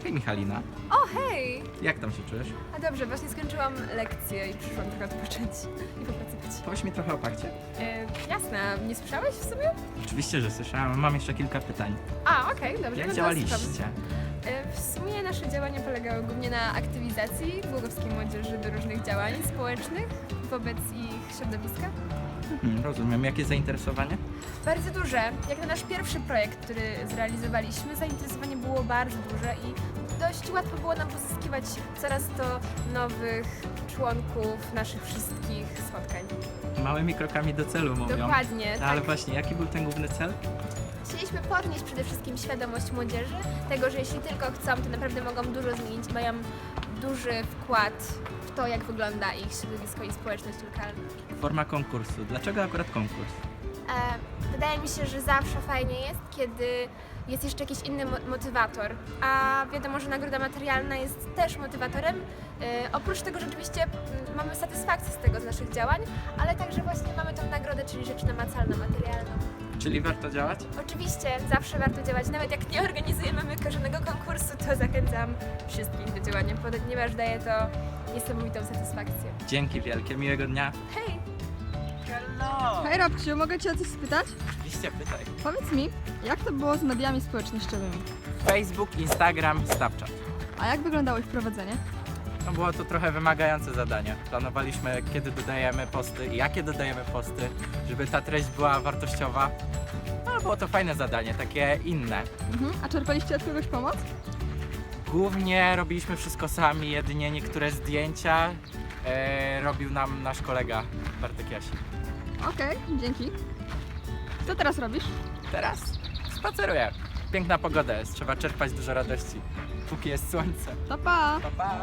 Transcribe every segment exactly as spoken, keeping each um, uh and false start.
Hej Michalina, O, hej! jak tam się czujesz? A dobrze, właśnie skończyłam lekcję i przyszłam trochę odpocząć i popracować. Powiedz mi trochę o pakcie. E, jasne, nie słyszałeś w sumie? Oczywiście, że słyszałem, mam jeszcze kilka pytań. A, okej, dobrze. Jak no to działaliście? słucham. E, w sumie nasze działania polegały głównie na aktywizacji głogowskiej młodzieży do różnych działań społecznych wobec ich środowiska. Hmm, rozumiem, jakie zainteresowanie? Bardzo duże. Jak na nasz pierwszy projekt, który zrealizowaliśmy, zainteresowanie było bardzo duże i dość łatwo było nam pozyskiwać coraz to nowych członków naszych wszystkich spotkań. Małymi krokami do celu mówią. Dokładnie. No, ale tak. właśnie, jaki był ten główny cel? Chcieliśmy podnieść przede wszystkim świadomość młodzieży, tego, że jeśli tylko chcą, to naprawdę mogą dużo zmienić i mają duży wkład w to, jak wygląda ich środowisko i społeczność lokalna. Forma konkursu. Dlaczego akurat konkurs? E, wydaje mi się, że zawsze fajnie jest, kiedy jest jeszcze jakiś inny mo- motywator, a wiadomo, że nagroda materialna jest też motywatorem. E, oprócz tego rzeczywiście m, mamy satysfakcję z tego, z naszych działań, ale także właśnie mamy tą nagrodę, czyli rzecz namacalną, materialną. Czyli warto działać? Oczywiście, zawsze warto działać, nawet jak nie organizujemy żadnego konkursu, to zachęcam wszystkich do działania, ponieważ daje to niesamowitą satysfakcję. Dzięki wielkie, miłego dnia. Hej! Hello! Hej Robciu, mogę Cię o coś spytać? Oczywiście, pytaj. Powiedz mi, jak to było z mediami społecznościowymi? Facebook, Instagram, Snapchat. A jak wyglądało ich prowadzenie? No było to trochę wymagające zadanie. Planowaliśmy, kiedy dodajemy posty i jakie dodajemy posty, żeby ta treść była wartościowa. No ale było to fajne zadanie, takie inne. Mhm. A czerpaliście od kogoś pomoc? Głównie robiliśmy wszystko sami, jedynie niektóre zdjęcia e, robił nam nasz kolega Bartek Jasi. Okej, dzięki. Co teraz robisz? Teraz spaceruję. Piękna pogoda jest, trzeba czerpać dużo radości, póki jest słońce. To pa! Pa, pa.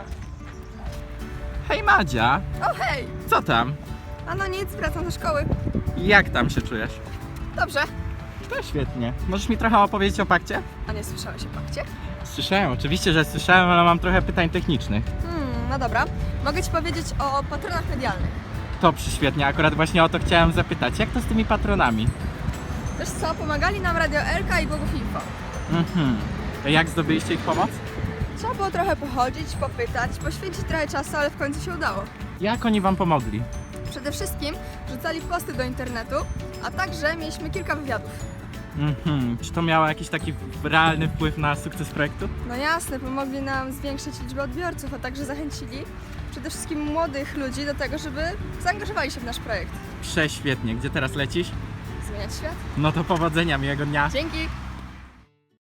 Hej Madzia, O hej! co tam? A no nic, wracam do szkoły. Jak tam się czujesz? Dobrze. To świetnie. Możesz mi trochę opowiedzieć o pakcie? A nie słyszałeś o pakcie? Słyszałem, oczywiście, że słyszałem, ale mam trochę pytań technicznych. Hmm, no dobra. Mogę Ci powiedzieć o patronach medialnych. To przyświetnie, akurat właśnie o to chciałem zapytać. Jak to z tymi patronami? Wiesz co, pomagali nam Radio Elka i Bogów Info. Mhm. Jak zdobyliście ich pomoc? Trzeba było trochę pochodzić, popytać, poświęcić trochę czasu, ale w końcu się udało. Jak oni wam pomogli? Przede wszystkim rzucali posty do internetu, a także mieliśmy kilka wywiadów. Mhm. Czy to miało jakiś taki realny wpływ na sukces projektu? No jasne, pomogli nam zwiększyć liczbę odbiorców, a także zachęcili przede wszystkim młodych ludzi do tego, żeby zaangażowali się w nasz projekt. Prześwietnie. Gdzie teraz lecisz? Zmieniać świat. No to powodzenia, miłego dnia. Dzięki!